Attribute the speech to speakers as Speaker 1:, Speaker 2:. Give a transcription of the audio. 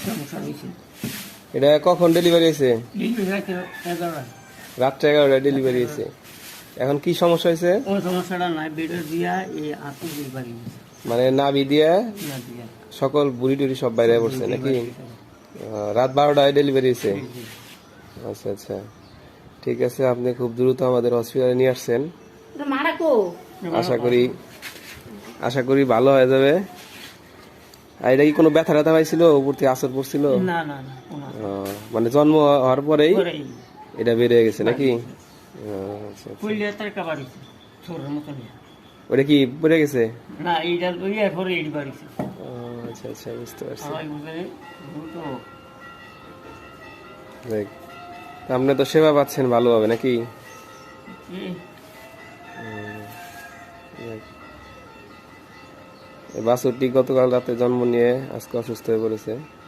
Speaker 1: সমস্যা হয়েছে।
Speaker 2: এটা কখন ডেলিভারি হয়েছে?
Speaker 1: ডেলিভারি রাতে 11টা।
Speaker 2: রাত্রে 11টায় ডেলিভারি হয়েছে। এখন কি সমস্যা হয়েছে?
Speaker 1: ওই সমস্যাটা নাই, বেডের দিয়া এই আপনি ডেলিভারি হয়েছে
Speaker 2: মানে নাভি দিয়ে
Speaker 1: না দিয়া
Speaker 2: সকল বুড়ি টুড়ি সব বাইরে পড়ছে নাকি? রাত 12টায় ডেলিভারি হয়েছে। আচ্ছা আচ্ছা, ঠিক আছে। আপনি খুব দ্রুত আমাদের হসপিটালে নিয়ে আসছেন। আশা করি ভালো হয়ে যাবে। আর এটা কি কোনো ব্যথা ট্যাথা পাইছিল, উপর থেকে আসর পড়ছিল?
Speaker 1: না না না,
Speaker 2: মানে জন্ম হওয়ার পরেই
Speaker 1: পরেই
Speaker 2: এটা বেড়ে গেছে নাকি? আচ্ছা আচ্ছা।
Speaker 1: কইলে তার কাবাড়ি ছোটর মতন।
Speaker 2: ওটা কি পড়ে গেছে?
Speaker 1: না, এইটা লইয়া পরে এই বাড়িছে।
Speaker 2: আচ্ছা আচ্ছা, বুঝতে পারছি।
Speaker 1: সবাই বুঝে দ্রুত।
Speaker 2: দেখ, আপনি তো সেবা পাচ্ছেন ভালোভাবে নাকি? বাছুরটি গতকাল রাতে জন্ম নিয়ে আজকে অসুস্থ হয়ে পড়েছে।